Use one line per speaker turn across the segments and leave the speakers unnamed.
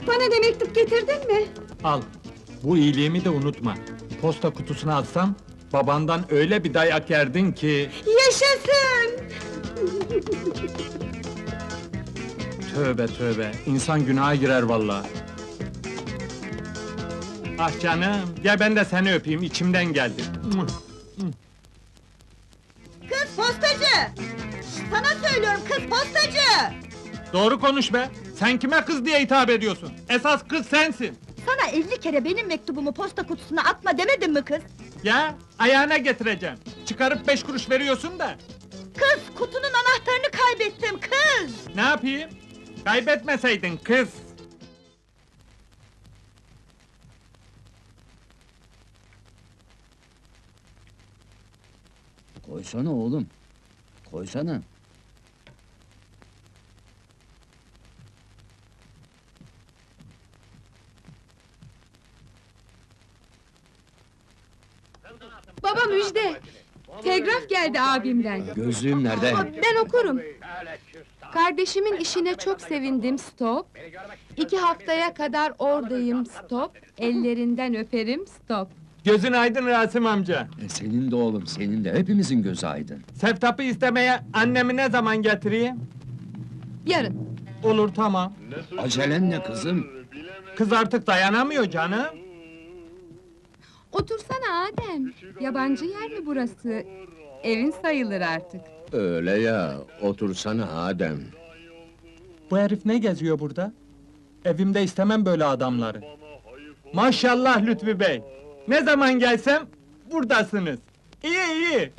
Bana da mektup getirdin mi?
Al, bu iyiliğimi de unutma. Posta kutusuna atsam, babandan öyle bir dayak yerdin ki...
Yaşasın!
Tövbe tövbe, insan günaha girer vallahi. Ah canım, gel ben de seni öpeyim, içimden geldi.
Kız postacı! Sana söylüyorum kız postacı!
Doğru konuş be! Sen kime kız diye hitap ediyorsun? Esas kız sensin!
Sana 50 kere benim mektubumu posta kutusuna atma demedim mi kız?
Ya, ayağına getireceğim. Çıkarıp 5 kuruş veriyorsun da.
Kız, kutunun anahtarını kaybettim kız!
Ne yapayım? Kaybetmeseydin kız!
Koysana oğlum. Koysana.
Baba müjde! Telgraf geldi abimden.
Gözlüğüm nerede?
Ben okurum. Kardeşimin işine çok sevindim, stop. 2 haftaya kadar oradayım, stop. Ellerinden öperim, stop.
Gözün aydın Rasim amca.
Senin de oğlum, senin de. Hepimizin gözü aydın.
Seftap'ı istemeye annemi ne zaman getireyim?
Yarın.
Olur, tamam.
Acelen ne kızım?
Kız artık dayanamıyor canım.
Otursana Adem. Yabancı yer mi burası? Evin sayılır artık.
Öyle ya, otursana Adem.
Bu herif ne geziyor burada? Evimde istemem böyle adamları. Maşallah Lütfü Bey! Ne zaman gelsem, buradasınız. İyi, iyi!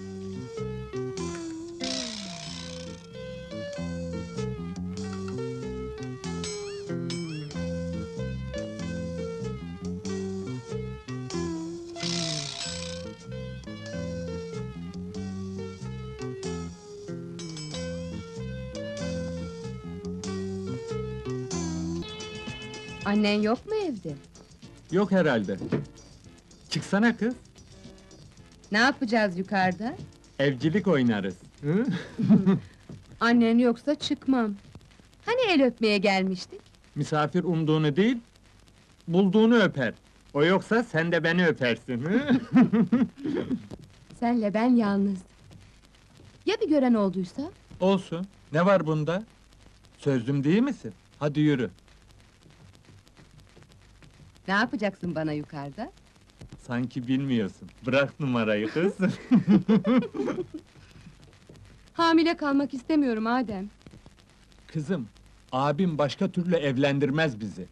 Annen yok mu evde?
Yok herhalde. Çıksana kız,
Ne yapacağız yukarıda?
evcilik oynarız. Hı?
Annen yoksa çıkmam. Hani el öpmeye gelmiştik?
Misafir umduğunu değil, bulduğunu öper. O yoksa sen de beni öpersin. Hı?
Senle ben yalnız. Ya bir gören olduysa?
Olsun, ne var bunda? Sözlüm değil misin? Hadi yürü.
Ne yapacaksın bana yukarıda?
Sanki bilmiyorsun. Bırak numarayı kız.
Hamile kalmak istemiyorum Adem.
Kızım, abim başka türlü evlendirmez bizi.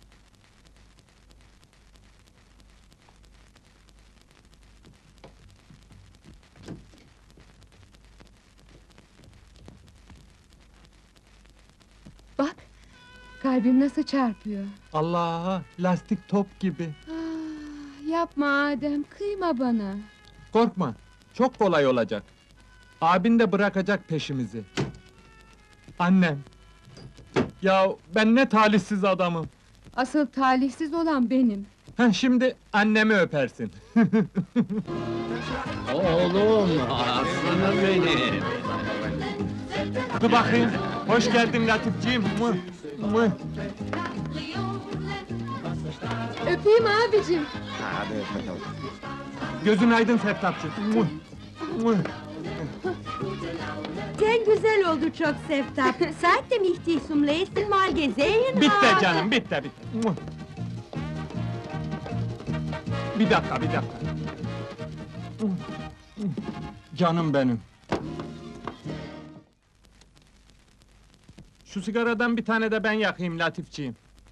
Bak, kalbim nasıl çarpıyor.
Allah'a, lastik top gibi.
Ah, yapma Adem, kıyma bana.
Korkma, çok kolay olacak. Abin de bırakacak peşimizi. Annem! Ya ben ne talihsiz adamım!
Asıl talihsiz olan benim.
Heh, şimdi annemi öpersin.
Oğlum, aslanım benim.
Dur bakayım, hoş geldin Latifciğim. Mıh, mıh.
Öpeyim abicim.
Gözün aydın Seftapçı. Mıh, mıh.
Sen güzel oldu çok Seftap. Saatte mich dich zum letzten Mal gesehen
Bitti
habe.
canım, bitti, bitti. Mıh. Bir dakika, bir dakika. Mıh, mıh. Canım benim. Şu sigaradan bir tane de ben yakayım Latifciğim.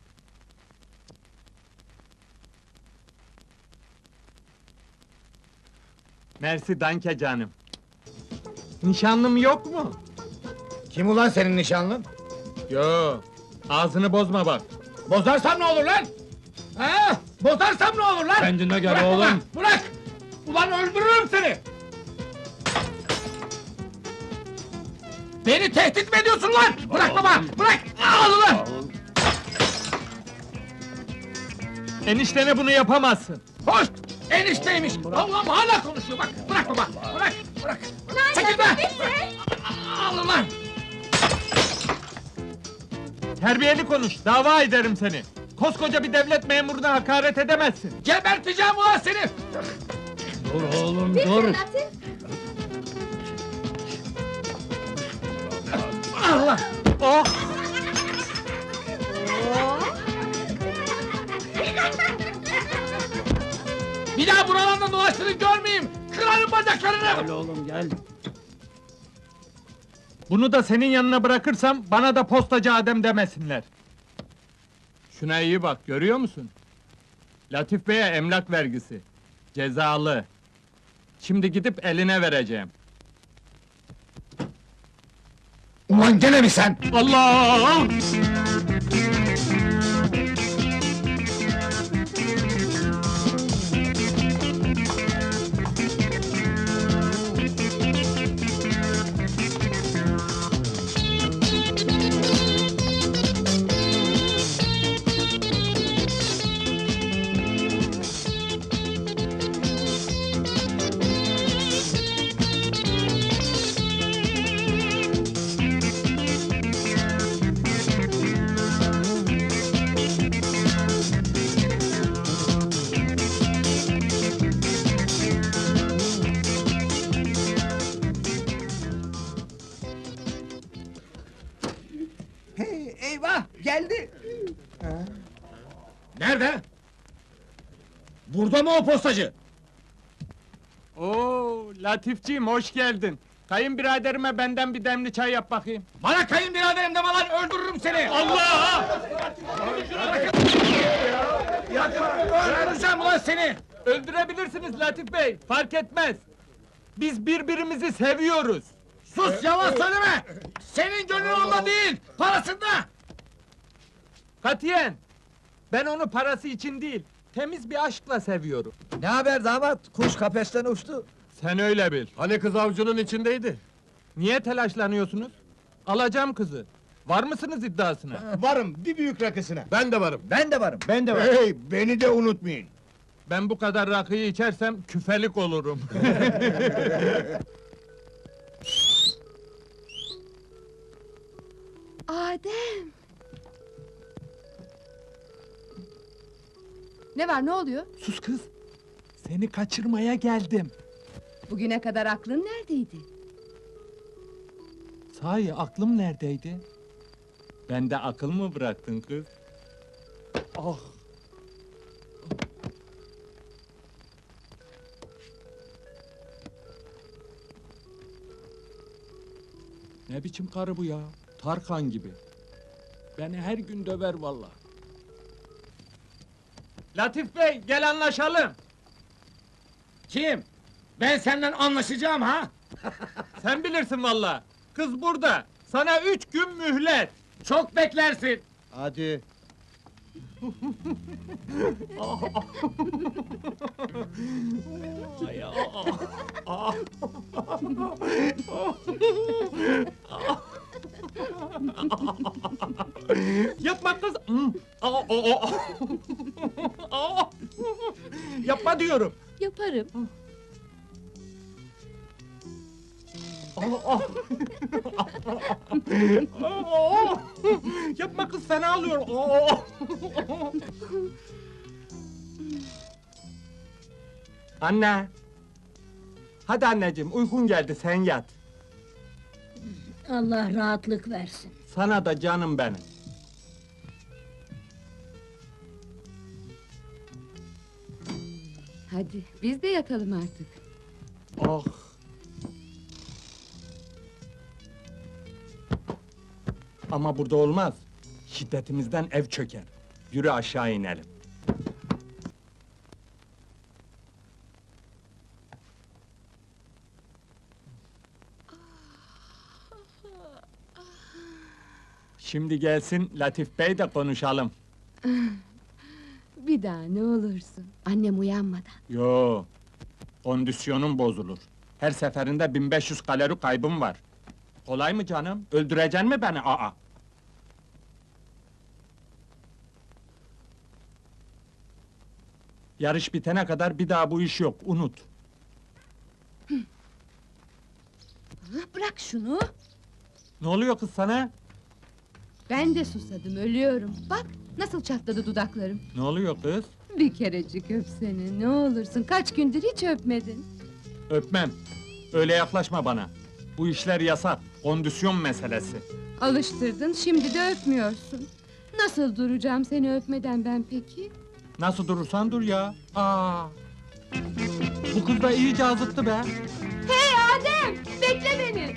Mersi danke canım. Nişanlım yok mu?
Kim ulan senin nişanlın?
Yo, ağzını bozma bak.
Bozarsam ne olur lan? Ha? Bozarsam ne olur lan?
Kendine gel
Bırak
oğlum.
ulan, bırak! Ulan öldürürüm seni! Beni tehdit mi ediyorsun lan? Bırak baba, bırak! Al ulan!
Eniştene bunu yapamazsın.
Hoş! Enişteymiş! Allah'ım hala konuşuyor bak! Bırak baba, bırak! Bırak! Çekil be! Al ulan!
Terbiyeli konuş, dava ederim seni. Koskoca bir devlet memuruna hakaret edemezsin.
Geberteceğim ulan seni!
Dur oğlum
Bitti
dur.
Latif.
Allah!
Oh!
Bir daha buralarda dolaştığını görmeyeyim! Kırarım bacaklarını!
Oğlum gel.
Bunu da senin yanına bırakırsam bana da postacı Adem demesinler. Şuna iyi bak, görüyor musun? Latif Bey'e emlak vergisi. Cezalı. Şimdi gidip eline vereceğim.
Ulan gene mi sen?
Allah!
Hey, eyvah, geldi!
Nerede? Burada mı o postacı?
Oo, Latifciğim hoş geldin. Kayınbiraderime benden bir demli çay yap bakayım.
Bana kayınbiraderim deme lan, öldürürüm seni!
Allah!
Öldüreceğim ulan seni!
Öldürebilirsiniz Latif Bey, fark etmez. Biz birbirimizi seviyoruz.
Sus, yalan söyleme! Senin gönlün onda değil, parasında!
Katiyen! Ben onu parası için değil, temiz bir aşkla seviyorum.
Ne haber damat? Kuş kafesten uçtu.
Sen öyle bil.
Hani kız avcunun içindeydi?
Niye telaşlanıyorsunuz? Alacağım kızı. Var mısınız iddiasına?
Varım, bir büyük rakısına. Ben de varım.
Ben de varım, ben de varım.
Hey, beni de unutmayın.
Ben bu kadar rakıyı içersem küfelik olurum.
Adem! Ne var, ne oluyor?
Sus kız! Seni kaçırmaya geldim.
Bugüne kadar aklın neredeydi?
Sahi aklım neredeydi? Bende akıl mı bıraktın kız? Ah! Ne biçim karı bu ya? Tarkan gibi. Beni her gün döver vallahi. Latif Bey, gel anlaşalım.
Kim? Ben senden anlaşacağım ha?
Sen bilirsin vallahi. Kız burada. Sana 3 gün mühlet.
Çok beklersin!
Hadi.
Yapma kız. Yapma diyorum.
Yaparım.
Yapma kız, fena alıyor. Anne. Hadi anneciğim, uykun geldi, sen yat.
Allah rahatlık versin.
Sana da canım benim.
Hadi, biz de yatalım artık.
Oh! Ama burada olmaz. Şiddetimizden ev çöker. Yürü aşağı inelim. Şimdi gelsin Latif Bey de konuşalım.
Bir daha ne olursun. Annem uyanmadan.
Yo, kondisyonum bozulur. Her seferinde 1500 kalori kaybım var. Kolay mı canım? Öldüreceksin mi beni? Aa! Yarış bitene kadar bir daha bu iş yok, unut.
Bırak şunu!
Ne oluyor kız sana?
Ben de susadım, ölüyorum. Bak, Nasıl çatladı dudaklarım?
Ne oluyor kız?
Bir kerecik öp seni, ne olursun. Kaç gündür hiç öpmedin.
Öpmem. Öyle yaklaşma bana. Bu işler yasak, kondisyon meselesi.
Alıştırdın, şimdi de öpmüyorsun. Nasıl duracağım seni öpmeden ben peki?
Nasıl durursan dur ya. Aa. Bu kız da iyice azıttı be.
Hey Adem, bekle beni!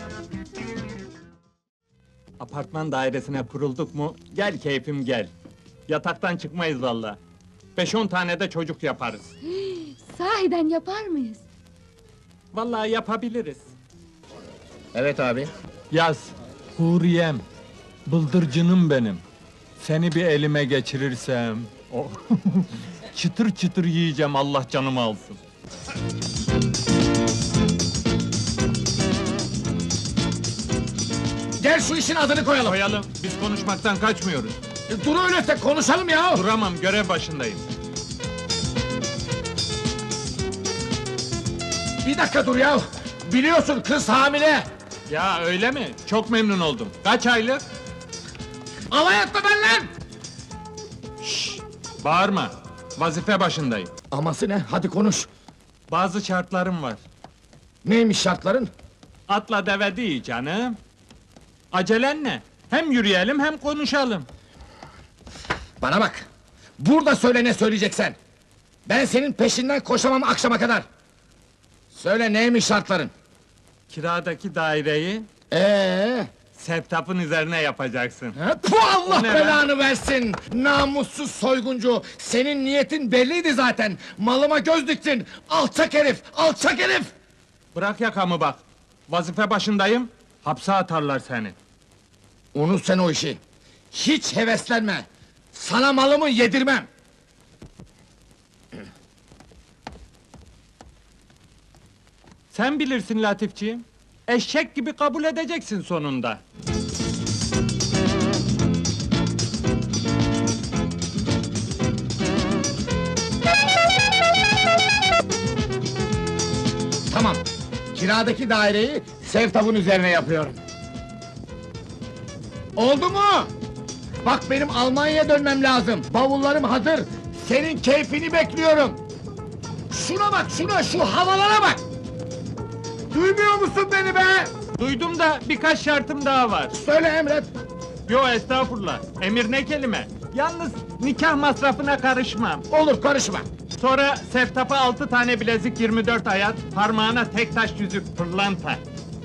Apartman dairesine kurulduk mu, gel keyfim gel. Yataktan çıkmayız valla. 5-10 tane de çocuk yaparız.
Sahiden yapar mıyız?
Vallahi yapabiliriz.
Evet abi.
Yaz, Huriyem, bıldırcınım benim. Seni bir elime geçirirsem... Oh. Çıtır çıtır yiyeceğim, Allah canımı alsın.
Gel şu işin adını koyalım.
Koyalım, biz konuşmaktan kaçmıyoruz.
Dur öyleyse konuşalım ya.
Duramam, görev başındayım.
Bir dakika dur ya. Biliyorsun kız hamile.
Ya öyle mi? Çok memnun oldum. Kaç aylık?
Alay etme benimle.
Bağırma, vazife başındayım.
Aması ne? Hadi konuş.
Bazı şartlarım var.
Neymiş şartların?
Atla deve değil canım. Acelen ne? Hem yürüyelim hem konuşalım.
Bana bak. Burada söyle ne söyleyeceksen. Ben senin peşinden koşamam akşama kadar. Söyle neymiş şartların?
Kiradaki daireyi Sevtap'ın üzerine yapacaksın.
Bu Allah
O ne
belanı versin! Namussuz soyguncu! Senin niyetin belliydi zaten! Malıma göz diktin! Alçak herif! Alçak herif!
Bırak yakamı bak. Vazife başındayım, hapse atarlar seni.
Unut sen o işi! Hiç heveslenme! Sana malımı yedirmem!
Sen bilirsin Latifciğim. Eşek gibi kabul edeceksin sonunda.
Tamam! Kiradaki daireyi Sevtap'ın üzerine yapıyorum. Oldu mu? Bak benim Almanya'ya dönmem lazım. Bavullarım hazır. Senin keyfini bekliyorum. Şuna bak şuna, şu havalara bak! Duymuyor musun beni be?
Duydum da birkaç şartım daha var.
Söyle emret.
Yo estağfurullah, emir ne kelime. Yalnız nikah masrafına karışmam.
Olur karışma.
Sonra Sevtap'a 6 tane bilezik 24 ayat, parmağına tek taş yüzük pırlanta.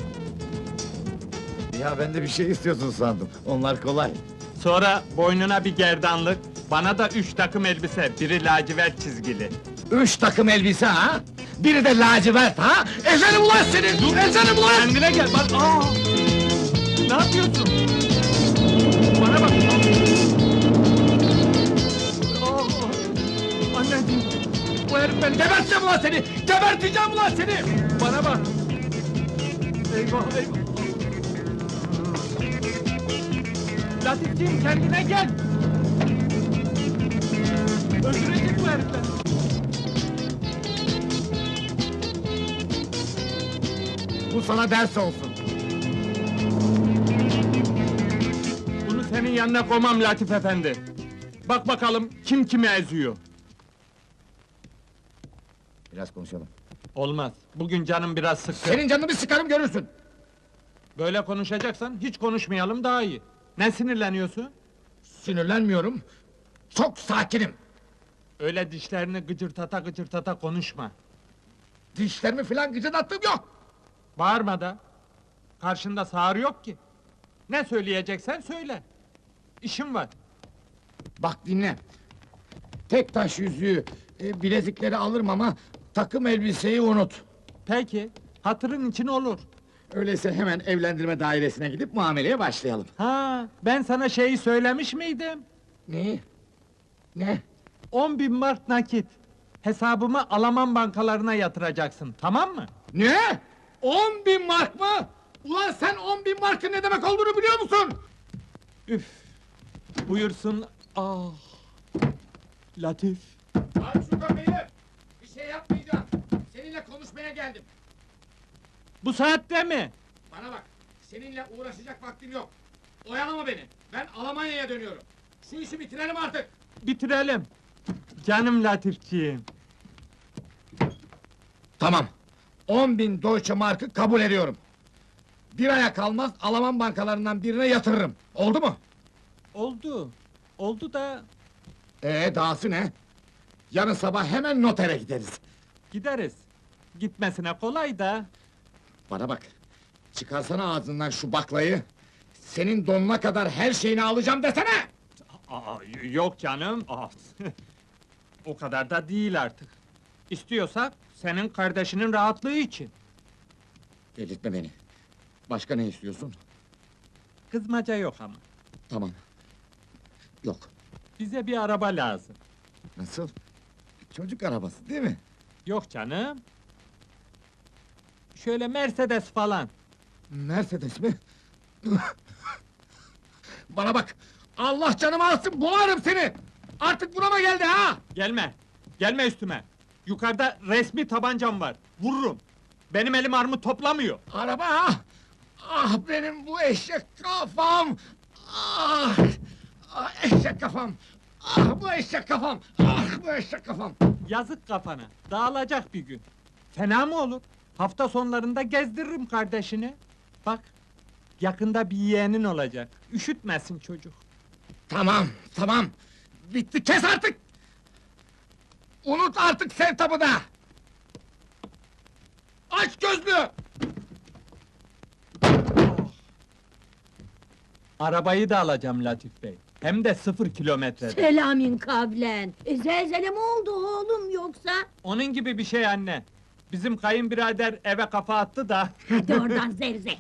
Ya ben de bir şey istiyorsun sandım. Onlar kolay.
Sonra boynuna bir gerdanlık, bana da 3 takım elbise, biri lacivert çizgili.
3 takım elbise ha? Biri de lacivert ha? Ezelim ulan seni! Ezelim ulan!
Kendine gel, bak aa! Ne yapıyorsun? Bana bak! Aa! Anneciğim! Bu herif beni
Geberteceğim ulan seni! Geberteceğim ulan seni!
Bana bak! Eyvah eyvah! Latifciğim kendine gel! Öldürecek bu herifler!
Bu sana ders olsun.
Bunu senin yanına koymam Latif efendi! Bak bakalım kim kimi eziyor!
Biraz konuşalım.
Olmaz, bugün canım biraz sıkkın.
Senin canını bir sıkarım görürsün.
Böyle konuşacaksan hiç konuşmayalım daha iyi. Ne sinirleniyorsun?
Sinirlenmiyorum. Çok sakinim.
Öyle dişlerini gıcırtata konuşma.
Dişlerimi filan gıcırdattığım yok.
Bağırma da. Karşında sağır yok ki. Ne söyleyeceksen söyle. İşim var.
Bak dinle. Tek taş yüzüğü, bilezikleri alırım ama takım elbiseyi unut.
Peki, hatırın için olur.
Öyleyse hemen evlendirme dairesine gidip muameleye başlayalım.
Ha, ben sana şeyi söylemiş miydim?
Ne? Ne?
10.000 mark nakit. Hesabımı Alman bankalarına yatıracaksın, tamam mı?
Ne? 10.000 mark mı? Ulan sen 10.000 markın ne demek olduğunu biliyor musun?
Üf! Buyursun, ah! Latif!
Aç şu kapıyı! Bir şey yapmayacağım. Seninle konuşmaya geldim.
Bu saatte mi?
Bana bak, seninle uğraşacak vaktim yok. Oyalama beni, ben Almanya'ya dönüyorum. Şu işi bitirelim artık.
Bitirelim. Canım Latifciğim.
Tamam. 10.000 Deutsche Mark'ı kabul ediyorum. Bir aya kalmaz Alman bankalarından birine yatırırım. Oldu mu?
Oldu. Oldu da
Dahası ne? Yarın sabah hemen notere gideriz.
gideriz. Gitmesine kolay da.
Bana bak. Çıkarsana ağzından şu baklayı. Senin donuna kadar her şeyini alacağım desene!
Aa, yok canım. Aa, o kadar da değil artık. İstiyorsak senin kardeşinin rahatlığı için.
Delirtme beni. Başka ne istiyorsun?
Kızmaca yok ama.
Tamam. Yok.
Bize bir araba lazım.
Nasıl? Çocuk arabası değil mi?
Yok canım. Şöyle Mercedes falan.
Mercedes mi? Bana bak! Allah canımı alsın, boğarım seni! Artık burama geldi ha!
Gelme. Gelme üstüme. Yukarıda resmi tabancam var. Vururum. Benim elim armut toplamıyor.
Araba ha! Ah benim bu eşek kafam! Ah! Ah eşek kafam! Ah bu eşek kafam! Ah bu eşek kafam!
Yazık kafana. Dağılacak bir gün. Fena mı olur? Hafta sonlarında gezdiririm kardeşini. Bak. Yakında bir yeğenin olacak. Üşütmesin çocuk.
Tamam, tamam! Bitti, kes artık! Unut artık Sevtap'ı da! Aç gözlü!
Arabayı da alacağım Latif Bey. Hem de 0 kilometrede.
Selamün kavlen. Zelzele mi oldu oğlum yoksa?
Onun gibi bir şey anne. Bizim kayınbirader eve kafa attı da...
Hadi oradan zevzek.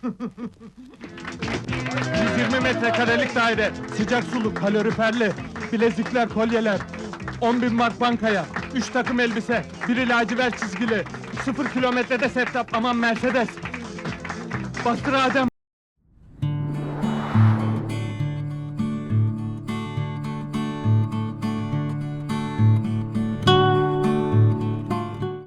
120 metrekarelik daire, sıcak sulu, kaloriferli, bilezikler, kolyeler, 10.000 mark bankaya, 3 takım elbise, biri lacivert çizgili, 0 kilometrede Septap, aman Mercedes! Bastır Adem!